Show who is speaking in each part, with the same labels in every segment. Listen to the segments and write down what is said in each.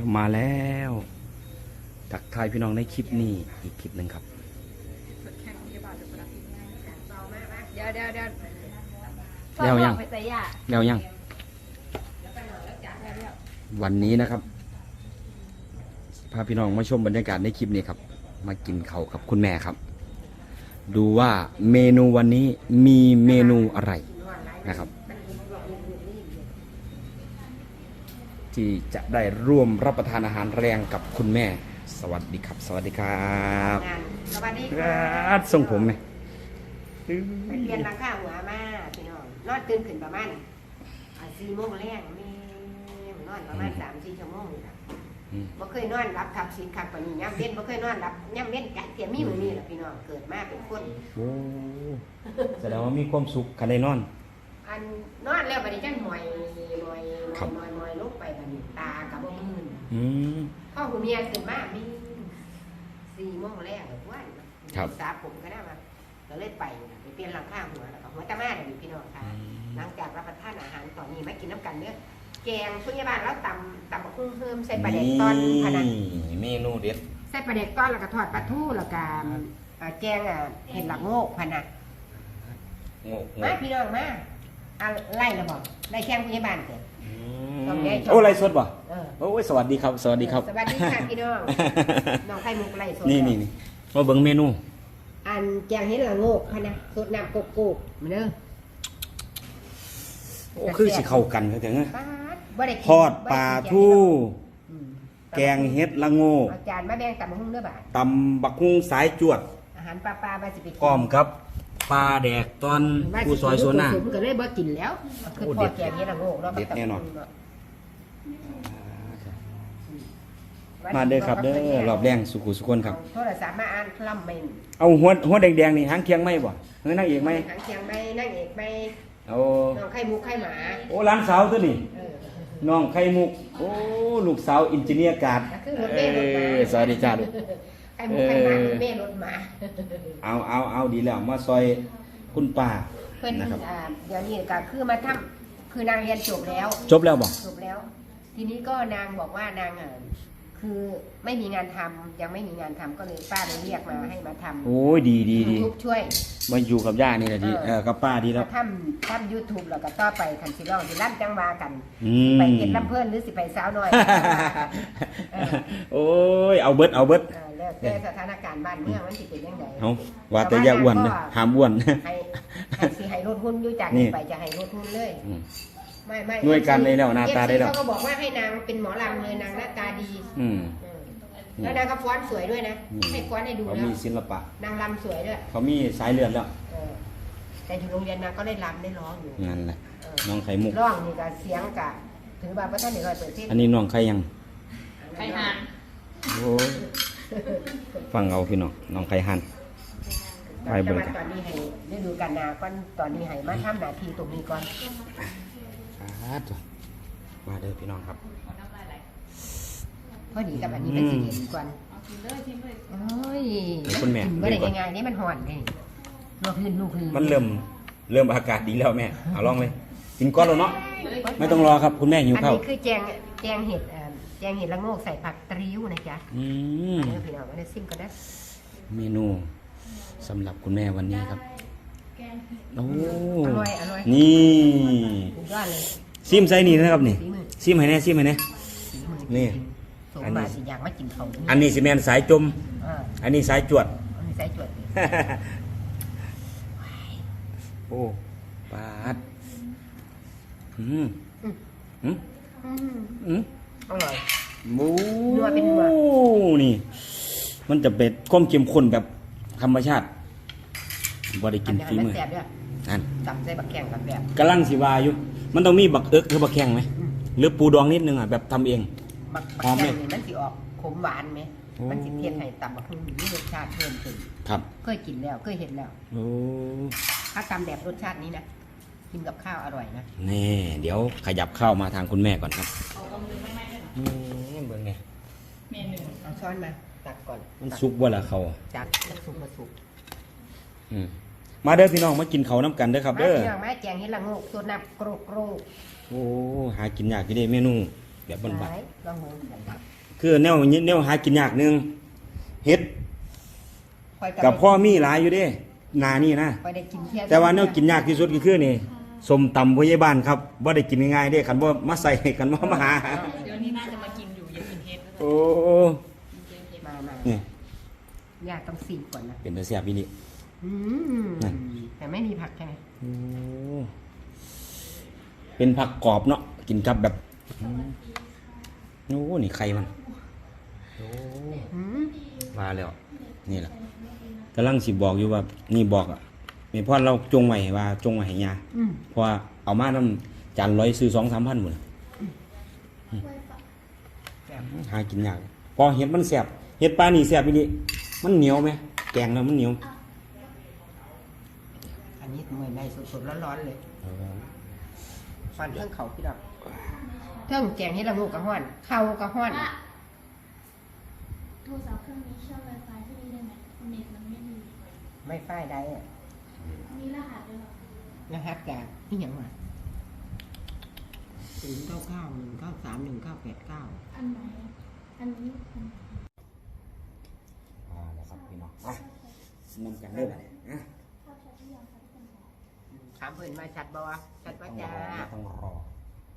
Speaker 1: แล้วทักทายพี่น้องในคลิปนี้อีกคลิปหนึ่งครับ
Speaker 2: เดี๋ยว
Speaker 1: แล้วยัง
Speaker 2: ไปใส่ยา
Speaker 1: แล้วยังวันนี้นะครับพาพี่น้องมาชมบรรยากาศในคลิปนี้ครับมากินข้าวกับคุณแม่ครับดูว่าเมนูวันนี้มีเมนูอะไรนะครับที่จะได้ร่วมรับประทานอาหารแรงกับคุณแม่สวัสดีครับสวัสดีครับ
Speaker 2: สวัสดี
Speaker 1: ค
Speaker 2: ค่ะ
Speaker 1: รับทรงผมไหม
Speaker 2: ไปเรียนราคาหัวมาพี่น้องนอนตื่นขึ้นประมาณ4 โมงแรงมีนอนประมาณ3-4 ชั่วโมงนี่แหละบ่เคยนอนรับขับสิขับปานนี้ย่ำเว้นบ่เคยนอนรับย่ำเว้นจัดเตียมีมื้อนี้แหละพี่น้องเกิดมาเป็นคน
Speaker 1: โอ้แสดงว่ามีความสุขคันได้นอน
Speaker 2: อันนอนแล้วบัดนี้จังหอย
Speaker 1: ครับ
Speaker 2: ลงไปบัดนี้ตากับบ่มื่น
Speaker 1: ม
Speaker 2: พ่อหูเมียขึ้นมามี4 โมงแรงแบบว่า
Speaker 1: ครับ
Speaker 2: สาผมก็ได้มาก็เลยไปเปลี่ยนหลังข้างหัวแล้วก็หัวตะมาเดี๋ยวพี่น้องค่ะหลังจากรับประทานอาหารตอนนี้มากินน้ำกันเนื้อแกงพยาบาลแล้วตำบักหุ่งเพิ่มใส่ปลาเด็กตอนขนาด
Speaker 1: เมนูเด็ด
Speaker 2: ใส่ปลาเด็กตอนแล้วก็ทอดปลาทูแล้วก็แกงเห็ดหลักโงกพะนะ
Speaker 1: โง่
Speaker 2: มาพี่น้องมาไล่ระบอกไล่แข้งพยาบาลเกิด ต้องแยกช่อง
Speaker 1: โอ้ไรสดป่ะ
Speaker 2: เออ
Speaker 1: โอ้ยสวัสดีครับ สวัสดีครับ
Speaker 2: สวัสดีค่ะพี่น้องน้องไข่มุกไล่สด
Speaker 1: นี่มาเบิ่งเมนู
Speaker 2: อันแกงเห็ดหลักโงกพะนะสดน้ำโกกมาเด้อ
Speaker 1: โอ้คือสิเข้ากันเขาถึง
Speaker 2: บ่ได้กิน
Speaker 1: ทอดปลาทู่
Speaker 2: อืม
Speaker 1: แกงเห็ดละโง่
Speaker 2: เอาจานมาแบ่งตำบักหุ่งเด้อบาด
Speaker 1: ตำบักฮุ่งสายจวด
Speaker 2: อาหารปลาบาสิไปกิน
Speaker 1: พร้อมครับปลาแดกตอนผู้ซอยโซน่า
Speaker 2: ก็เลยบ่กินแล้วคือ
Speaker 1: โอ้
Speaker 2: พอ
Speaker 1: เด็ด
Speaker 2: แกงเฮ็ดละโงกเนาะ
Speaker 1: เด็ดแน่นอน
Speaker 2: วั
Speaker 1: มาเด้อครับเด้อรอบแรงสุขุสุคนครับ
Speaker 2: โทรศัพท์มาอ่านคล่ำเมน
Speaker 1: เอาหัวแดงๆนี่หางเคียงไหมบ่เฮ้ยนางเอกไหม
Speaker 2: ทางเชียงใหม่นางเอกใหม่
Speaker 1: เอา
Speaker 2: น้องไข่มุกไข่หมา
Speaker 1: โอ้หล้านสาวตัวนี้
Speaker 2: เออ
Speaker 1: น้องไข่มุก โอ้ลูกสาวอินจิเนียร์การ์ด
Speaker 2: ก็คือรถเมล์รถมา
Speaker 1: สวัสดีจ้าลูก
Speaker 2: ไข่มุกไข่หมารถเมล์รถหมา
Speaker 1: เอาดีแล้วมาซอยคุณป้า
Speaker 2: เพิ่น
Speaker 1: นะครับ
Speaker 2: เดี๋ยวนี้ก็คือมาทำคือนางเรียนจบแล้ว
Speaker 1: จบแล้วบ่
Speaker 2: จบแล้ว ทีนี้ก็นางบอกว่านางคือไม่มีงานทำยังไม่มีงานทำก็เลยป้าเลยเรียกมาให้มาทำ
Speaker 1: โอ้ยดี
Speaker 2: ยูทูบช่วย
Speaker 1: มาอยู่กับย่านี่แหละดีกับป้าดีแล้ว
Speaker 2: มาทำยูทูบแล้วก็ต่อไปคันสิร้องสิลั่นจังวากัน
Speaker 1: อืม
Speaker 2: ไปเก็บลำเพิ่นหรือสิไปสาวน้อย
Speaker 1: โอ้ยเอาเบิด
Speaker 2: แล้วแต่สถานการณ์บ้านเมืองมันสิเป็นยังไง
Speaker 1: เอาว่าแต่อย่าอ้วนนะห้ามอ้วน
Speaker 2: ให้สิให้ลดหุ้นอยู่จาก
Speaker 1: นี่
Speaker 2: นี้ไปจะให้ลดหุ้นเลย ไม่
Speaker 1: หน่วยการได้แล้วหน้าตาได้แล้ว
Speaker 2: เขาก็บอกว่าให้นางเป็นหมอลำเลยนางหน้าตาดี
Speaker 1: อืม
Speaker 2: แล้วนางก็ฟ้อนสวยด้วยนะให้ฟ้อนให้ดู
Speaker 1: เขา
Speaker 2: แล้
Speaker 1: มี
Speaker 2: ว
Speaker 1: ศิลปะ
Speaker 2: นางรำสวยด้วย
Speaker 1: เขามีสายเลือดแล้ว
Speaker 2: แต่อยู่โรงเรียนนางก็ได้รำได้ร้องอยู่
Speaker 1: นั่นแหละน้องไข่มุก
Speaker 2: ร้องนี่ก็เสียงกะถือว่าพระท่านเดี๋ยวเปิดเทศ
Speaker 1: อันนี้น้องไข่ยัง
Speaker 2: ใครหาน
Speaker 1: โอ้ยฟังเอาพี่น้องน้องไข่หัน ไปเบิ่งกัน
Speaker 2: ตอนนี้ให้ได้ดูกันนาก่อนตอนนี้ให้มาทำหน้าที่ตรงนี้ก่อน
Speaker 1: มาเด้อพี่น้องครับ
Speaker 2: พอดีกับอันนี้เป็นสีเย็นก่อนโอ้ย
Speaker 1: คุณแม่
Speaker 2: ไม่ได้ง่ายๆนี่มันห่อนเลยลูกพื้น
Speaker 1: มันเริ่มอากาศดีแล้วแม่เอาลองเลยกินก้อนแล้วเนาะไม่ต้องรอครับคุณแม่หิว
Speaker 2: อัน
Speaker 1: ข้าว
Speaker 2: นี้คือแจงเห็ดแจงเห็ดละโงกใส่ผักตริ้วนะจ๊ะ
Speaker 1: อืม
Speaker 2: เดี๋ยวพี่น้องมาได้ซิมก็ได้
Speaker 1: เมนูสำหรับคุณแม่วันนี้ครับโอ้
Speaker 2: อร่อย
Speaker 1: นี่
Speaker 2: สุดยอดเลย
Speaker 1: ซิมไซนี่นะครับนี่
Speaker 2: ฝีมือ
Speaker 1: ซิมให้แน่ซิมให้แน่ นี่
Speaker 2: สมมาสิอยากมากินเขา
Speaker 1: อันนี้สิแมนสายจม อันนี้สายจวด
Speaker 2: อันนี้ใส่จวดเลย
Speaker 1: โอ้ปาดอืมอืม
Speaker 2: อืม
Speaker 1: อืม
Speaker 2: อร่อย
Speaker 1: โอ้
Speaker 2: นัวเป็นนัว
Speaker 1: นี่ มันจะเป็นก้มเข้มข้นแบบธรรมชาติบ่ได้กินฝีมือ
Speaker 2: แซ่บด้วย
Speaker 1: นั่น
Speaker 2: ตับใส่บักแข้งกับแบบ
Speaker 1: กำลังสิวาอยู่ มันต้องมีบักเอิกหรือบักแข้งไหมหรือปูดองนิดนึงอ่ะแบบทำเอง
Speaker 2: บัก
Speaker 1: หอมไหม
Speaker 2: แข้งนี่มันสิออกขมหวานไหม
Speaker 1: โอ้
Speaker 2: มันสิเทียนให้ตับบักหุ่งมีรสชาติเพิ่มขึ้น
Speaker 1: ครับ
Speaker 2: เคยกินแล้วเคยเห็นแล้ว
Speaker 1: โอ้
Speaker 2: ถ้าตำแบบรสชาตินี้นะกินกับข้าวอร่อยนะ
Speaker 1: นี่เดี๋ยวขยับเข้ามาทางคุณแม่ก่อนครับเบิ่งเนี่ย
Speaker 2: เอาช้อนมาตักก่อน
Speaker 1: มันสุกว่าละเขา
Speaker 2: จากสุกมาสุก
Speaker 1: อืมมาเด้อพี่น้องมากินเขาวน้ำกันเด้อครับ
Speaker 2: มา
Speaker 1: เด้อ
Speaker 2: พี่น้องมาแจงเห็ดละโงกตัวน้ำโกรก
Speaker 1: โอ้หากินยากกี่เด้เมนูแบบบ้าน
Speaker 2: หลายลองเบิ่งกัน
Speaker 1: ๆคือแนวหากินยากหนึงเฮ็ด
Speaker 2: ข่อย
Speaker 1: กับพ่อมีหลายอยู่เด้นานี่นะ
Speaker 2: ข่อยได้กินเที่ยว
Speaker 1: แต่ว่าแนวกินยากที่สุดก็คือนี่ส้มตำพยาบาลครับบ่ได้กินง่ายๆเด้คันบ่มาใส่คันบ่มาหา
Speaker 3: เดี๋ยวนี้น่าจะมากินอยู่อย่ากินเฮ็ดแล้ว
Speaker 1: โอ้
Speaker 2: มา
Speaker 1: นี่
Speaker 2: ยากต้อง4ก่อนนะ
Speaker 1: เป็นตาแซ่บอีนี่
Speaker 2: อืม
Speaker 1: นั่น
Speaker 2: แต่ไม่มีผักใช่ไหม
Speaker 1: โอ้เป็นผักกรอบเนาะกินกับแบบโอ้นี่ไข่มันโอ้
Speaker 2: อืม
Speaker 1: มาแล้วนี่แหละกำลังสิบอกอยู่ว่านี่บอกอ่ะแม่พ่อเราจงไว้ว่าจงไว้ให้ยา
Speaker 2: อืม
Speaker 1: เพราะว่าเอามานำจานร้อยซื้อ 2-3 พันหมดหากินยากพอเห็ดมันแซ่บเห็ดปลานี่แซ่บอีนี่มันเหนียวไหมแกงแล้วมันเหนียว
Speaker 2: อันนี้มื้อในสดๆร้อนๆเลยฟันเครื่องเขาพี่ดอกเครื่องแกงเฮ็ดละงูกะฮ้อนข้าวกะฮ้อน
Speaker 4: โทรศัพท์เครื่องนี้เชื่อม Wi-Fi ที่นี่ได้ไหมเน็ตมันไม่ดี
Speaker 2: ไม่ฝ้ายได้อะ
Speaker 4: มีรหัสด้วยเหรอ
Speaker 2: รหัสจากนี่หยังวะ0991931989
Speaker 4: อันไหน อันนี้อัน
Speaker 1: แล้วครับพี่น้องนำกันเด้อบัดนี้นะ
Speaker 4: ชอบใช้ที่ยังใช้เป็นของ
Speaker 2: ถามเพิ่นมาชัดบ่ชัด
Speaker 1: ต้
Speaker 2: ว่า
Speaker 1: องร
Speaker 2: จ้า
Speaker 1: อต้องรอ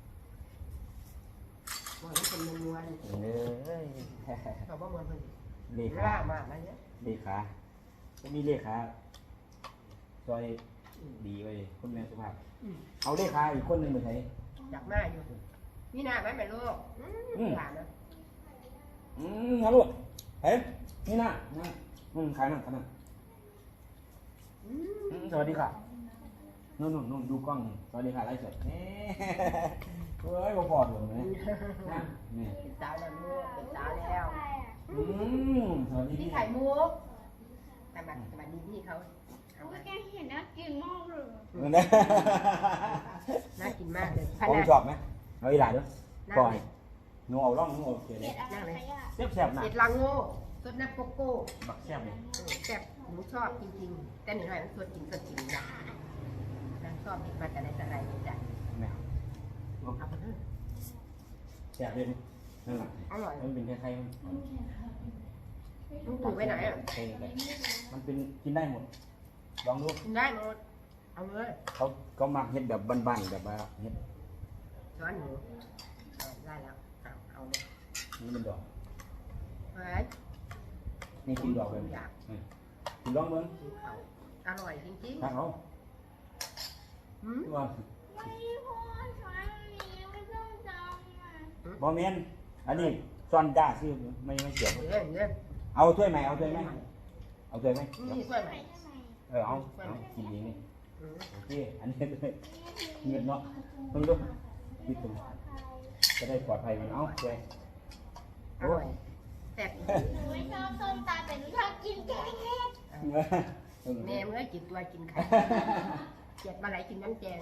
Speaker 2: บ่ให้เป็นมวน
Speaker 1: เอ้ย
Speaker 2: ๆเขาบ่มวนเพิ่น
Speaker 1: เลขา
Speaker 2: ล่ามาเนี่ย
Speaker 1: เลขาก็มีเลขาซอยดีไว้คุณแม่สุภาพ เอาเลขาอีกคนหนึงไปใช้
Speaker 2: อยากมาอยู่มีหน้าไหมแม่ลูกหลานนะ
Speaker 1: งั้นลูกเฮ้ยนี่นะขายนั่นสวัสดีค่ะนู่นดูกล้องสวัสดีค่ะไลฟ์สดเฮ้ยบ่พอดเลยนะนี่
Speaker 2: เป็นสาวแล้วลูกเป็นสาวแล้ว
Speaker 1: สวัสดี
Speaker 2: พี่
Speaker 1: พี่
Speaker 2: ไข่มุกแต่มาดีพี่เขาเอา
Speaker 4: โอ้
Speaker 2: มาย
Speaker 4: แกเห็นนะกินมากเลย
Speaker 2: น่ากินมากเลย
Speaker 1: ผมชอบไหมเอาอีหลาด้วยปล่อยหนูเอาล่องหนูเอาเกลือ
Speaker 4: เด็
Speaker 1: เลย
Speaker 4: ดอะไรขยะ
Speaker 1: แซ่บๆนะ
Speaker 2: เห็ดลังโง่สดน้ำโกโก้
Speaker 1: บักแซ่บเลย
Speaker 2: แซ่บหนูชอบจริงๆแต่หนูหน่อยมันสดจริงนะนางชอบเห็ดมาแต่ไหนแต่ไรเลยจ้ะ
Speaker 1: แม่
Speaker 2: เอาไปเถอะ
Speaker 1: แซ่บเลยนั่นแหละ
Speaker 2: อร่อย
Speaker 1: มันเป็นคล้ายๆมัน
Speaker 2: มึงปลูกไว้ไหนอ่ะ
Speaker 1: มันเป็นกินได้หมด ลองดู
Speaker 2: กินได้หมดเอาเลย
Speaker 1: เขามักเฮ็ดแบบบ้านๆแบบว่าเฮ็ด
Speaker 2: ช้อนหนูได้แล้วเอาเลย
Speaker 1: นี่เป็นดอก
Speaker 2: เฮ้ย
Speaker 1: นี่กินดอกเลยกินลองเบิ่ง
Speaker 2: อร่อยจริง
Speaker 1: ถ้าเขา
Speaker 2: ๆหืม
Speaker 1: ว่า
Speaker 4: ไม่พอใช้นี้ไม่ต้องจำอ่ะ
Speaker 1: บ่แม่นอันนี้ซ่อนจ้าซื้อไม่เกี่ยว
Speaker 2: เนี่ย
Speaker 1: เอาถ้วยไหมเอาถ้วยไหมเอาถ้วยไหม
Speaker 2: นี่ช่วยไหม
Speaker 4: ใช่ไหม
Speaker 1: เอากินเองนี่
Speaker 2: อืม
Speaker 1: โอเคอันนี้ด้วยเงินเนาะต้องดูคิดตรงจะได้ปลอดภัยมันเอาช่วย
Speaker 2: อร่อยแซ่บ
Speaker 4: หนูไม่ชอบส้มตำแต่หนูชอบกินแกงเห็ด
Speaker 2: แม่เมื่อกินตัวกินไข่เจ็ดมาไหลกินน้ำแกง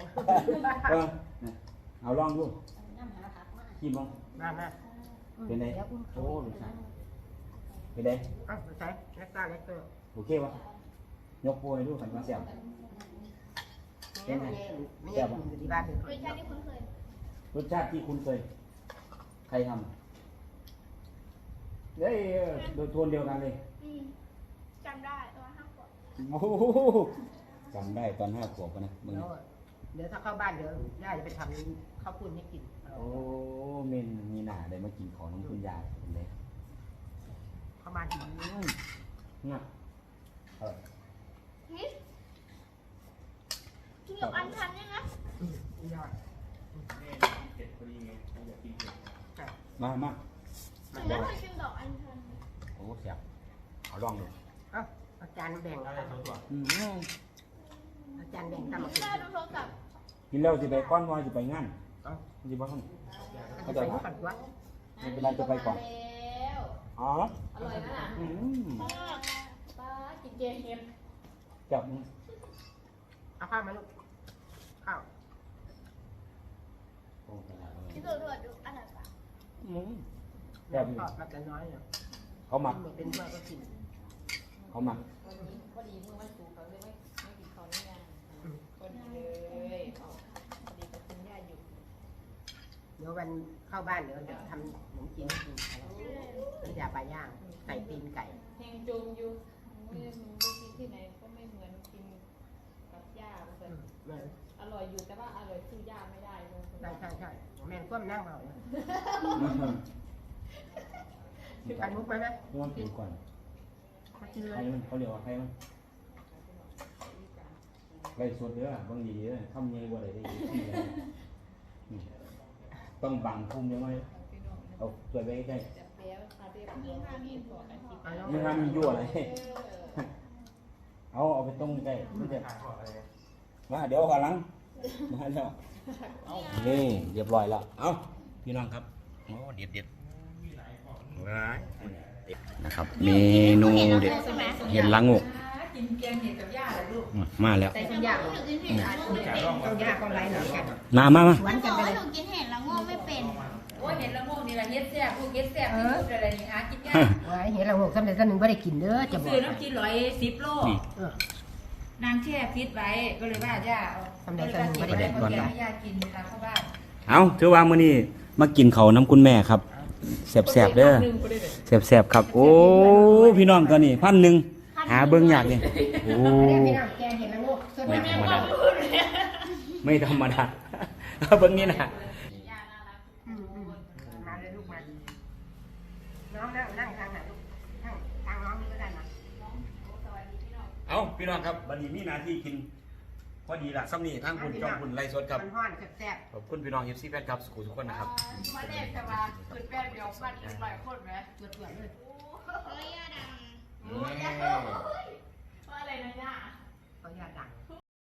Speaker 1: เอาลองดูกินบ้าง
Speaker 2: มามา
Speaker 1: เป็นไงโอ้ลูกชายเป็นไง
Speaker 2: เอาไปใส่เล็กตาเล็กตัว
Speaker 1: โอเควะยกโปรให้ดูขันมาเสียบ
Speaker 2: ไม่ใช่ไม่ใช่กินอยู่ที่บ้านเลย
Speaker 4: รสชาติที่คุ้นเคย
Speaker 1: รสชาติที่คุณเคยใครทำเฮ้ยโดยโทนเดียวกันเลย
Speaker 4: จำได้ตัวห้าขวบ
Speaker 1: โอ้โหจำได้ตอน5 ขวบนะมึง
Speaker 2: เดี๋ยวถ้าเข้าบ้านเดี๋ยวย่าจะไปทำข้าวปุ้นให้กิน
Speaker 1: โอ้เมนมีหนาได้มากินของน้องคุณยายเลย
Speaker 2: เข้าบ้านถึง
Speaker 1: น่ะเออ
Speaker 4: กินกับอันชันเนี่ยนะ
Speaker 2: ยอด
Speaker 1: มา
Speaker 4: หนูไม่เคยกินดอกอันชัน
Speaker 1: โอ้เสียบเอาลองดู
Speaker 2: เอาอาจารย์แบ่งอาจารย์แบ่งทำมากิน
Speaker 4: ได้ดูโทรศัพท์
Speaker 1: กินแล้วสิไปก้อนวอยสิไปงาน
Speaker 2: เอา
Speaker 1: สิบ้าง
Speaker 2: อาจารย์ก่อนวะ
Speaker 1: ไม่เป็นไรจะไปก่อน
Speaker 3: แล้ว
Speaker 1: อ๋อ
Speaker 3: อร่อยนะ ป้ากินแกงเห็ด
Speaker 1: จับ
Speaker 2: เอาข้าวมาลูกข้าว
Speaker 4: ที่สุดด้วยดูอันไหนปะ
Speaker 1: จับ
Speaker 2: ทอดมาแต่น้อยเนี่ย
Speaker 1: เขาหมัก
Speaker 2: หมดเป็นถ้วยก็กิน
Speaker 1: เขาหมัก
Speaker 3: พอดีเมื่อวันศุกร์เขาเลยไม่กินข้าวนี่ไงพอดีเลยพอดีกับคุณย่าหยุด
Speaker 2: เดี๋ยววันเข้าบ้านเดี๋ยวจะทำขนมจีนให้กินน้ำยาปลาย่างไก่ตีนไก่
Speaker 3: เฮงจมอยู่หนูไปกินที่ไหนก็ไม่เหมือนกินกับย่าเลยอร่อยอยู่แต่ว่าอร่อยสู้ย่าไม่ได้เลย
Speaker 2: ใช่แม่นก้มนั่งเบาการมุกไหมนะ
Speaker 1: ต้องกินก่อน
Speaker 2: มากินเล
Speaker 1: ใคร
Speaker 2: ย
Speaker 1: มันเขาเรียกว่าใครมันไรสดเด้อบางทีเด้อทำยังไงบ่ได้ได้ต้องบังพุ่มยังไงเอาตัวไว้ใกล้
Speaker 3: จะแป๊วคาเรียบร้อยมีก่อนอาทิตย์
Speaker 1: ไม่ทำมียั่วอะไรเอาไปต้มใกล้มันจะมาเดี๋ยวก่อนหลังมาแล้วนี่เรียบร้อยแล้วเอาพี่น้องครับโอ้เด็ดว้ายนะครับเมนูเด็ดเห็ดละงก
Speaker 3: กินแกงเห็ดกับย่าเลยลูก
Speaker 1: มาแล้ว
Speaker 2: ใส่ต้นยางต้นยางก็ไรหน่อยกัน
Speaker 1: มา
Speaker 2: สวนกันไปเลย
Speaker 4: หนูกินเห็ดแล้วง่วงไม่เป็น
Speaker 3: โอ้ยเห็ดละโงกนี่แหละเฮ็ดแซ่บพวกเฮ็ดแซ่บที่สุดอะไรนี่หากินยาก
Speaker 2: ไว้เห็นเราหกสำเร็จสักหนึ่งไม่ได้กินเด้อจะบอก
Speaker 3: ซื้อน้ำกิน110 โล
Speaker 1: นี่
Speaker 3: นางแช่ฟิตไว้ก็เลยว่าย่าย่ากินเวลาเข้าบ้าน
Speaker 1: เอาถือว่ามื้อนี้มากินเขาวน้ำคุณแม่ครับแซ่บๆเด้อแซ่บๆครับ โอ้พี่น้องตัวนี้1,000หาเบิ่งยากนี่โอ้
Speaker 2: พี่น้องแกงเห็นละงกส่วน
Speaker 1: ไม่
Speaker 2: แม่
Speaker 1: ธรรมดาไม่ธรรมดาเบิ่งนี่นะ
Speaker 2: มาเลยลูกมาน้องนั่งทางไหนลูกทางน้องนี่ก็ได้นะ
Speaker 1: เอาพี่น้องครับบัดนี้มีหน้าที่กินพอดีละซ้ำนี่ทางคุณจอมคุณไล่สดครับ
Speaker 2: มันห้อนแซ่บ
Speaker 1: ขอบคุณพี่น้อง FC แฟนครับสุขุมทุกคนนะครับ
Speaker 3: มาเด็กแต่ว่าคือแป้งเดียวบ้านกินหลายคนไหม
Speaker 2: ๆเปื่อยๆเลย
Speaker 4: เฮ้ยย่าดัง
Speaker 3: ว่าอะไรนะย่า
Speaker 2: เขาอยากดัง